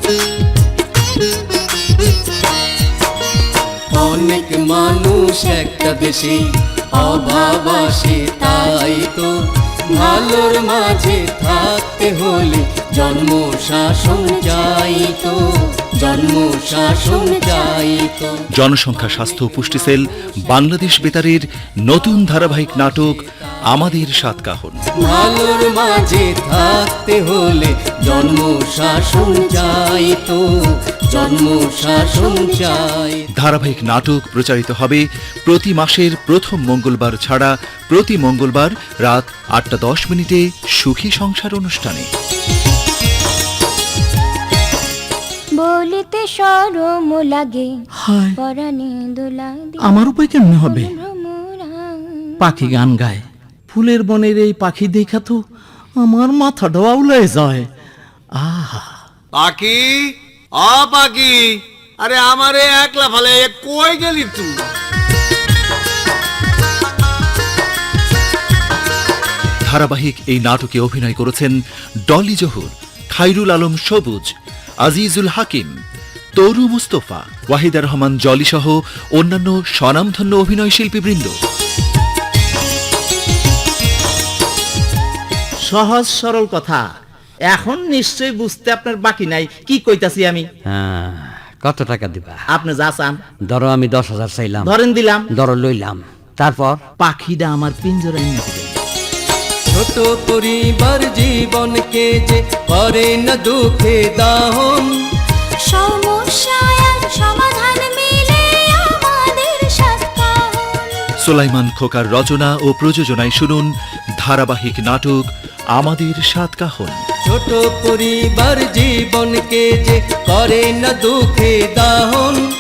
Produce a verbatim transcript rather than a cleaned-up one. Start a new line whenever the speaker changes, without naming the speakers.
অনেক মানুষ একটা দেশে অভাব আসে, তাই তো ভালোর মাঝে থাকতে হলে জন্ম শাসন চাই তো, জন্ম শাসন চাই তো।
জনসংখ্যা স্বাস্থ্য ও পুষ্টি সেল বাংলাদেশ বেতারের নতুন ধারাবাহিক নাটক আমাদের সাতকাহন।
ভালোর মাঝে থাকতে হলে জন্ম শাসন চাই তো, জন্ম শাসন চাই।
ধারাবাহিক নাটক প্রচারিত হবে প্রতি মাসের প্রথম মঙ্গলবার ছাড়া প্রতি মঙ্গলবার রাত আটটা দশ মিনিটে সুখী সংসার অনুষ্ঠানে।
বলিতে শরম লাগে,
হায়
পরাণে দোলা দিয়ে
আমার উপায় কেমনে হবে?
ভ্রমরা।
পাখি গান গায়, ফুলের বনের এই পাখি দেখা তো আমার মাথা ডোয়াউলায় যায়। আহা,
পাখি, অ পাখি, আরে আমারে একলা ফালে কই গেলি তুই?
ধারাবাহিক এই নাটকে অভিনয় করেছেন ডলি জহুর, খাইরুল আলম সবুজ, আজিজুল হাকিম, তরু মুস্তফা, ওয়াহিদা রহমান জলি সহ অন্যান্য স্বনামধন্য অভিনয় শিল্পীবৃন্দ।
সহজ সরল কথা, এখন নিশ্চয়ই বুঝতে আপনার বাকি নাই কি কইতাছি আমি।
হ্যাঁ, কত টাকা দিবা?
আপনি যা চান
ধরো আমি দশ হাজার চাইলাম,
ধরেন দিলাম।
ধরো লইলাম, তারপর
পাখিটা আমার পিঞ্জরায় নিয়ে দিবেন।
ছোট পরিবার জীবনকে যে করে না দুঃখে দাহন,
সমস্যার সমাধান মিলে আমাদের সাতকাহন।
সুলাইমান খোকার রচনা ও প্রযোজনায় শুনুন ধারাবাহিক নাটক আমাদের সাতকাহন।
ছোট পরিবার জীবনকে যে করে না দুঃখে দাহন,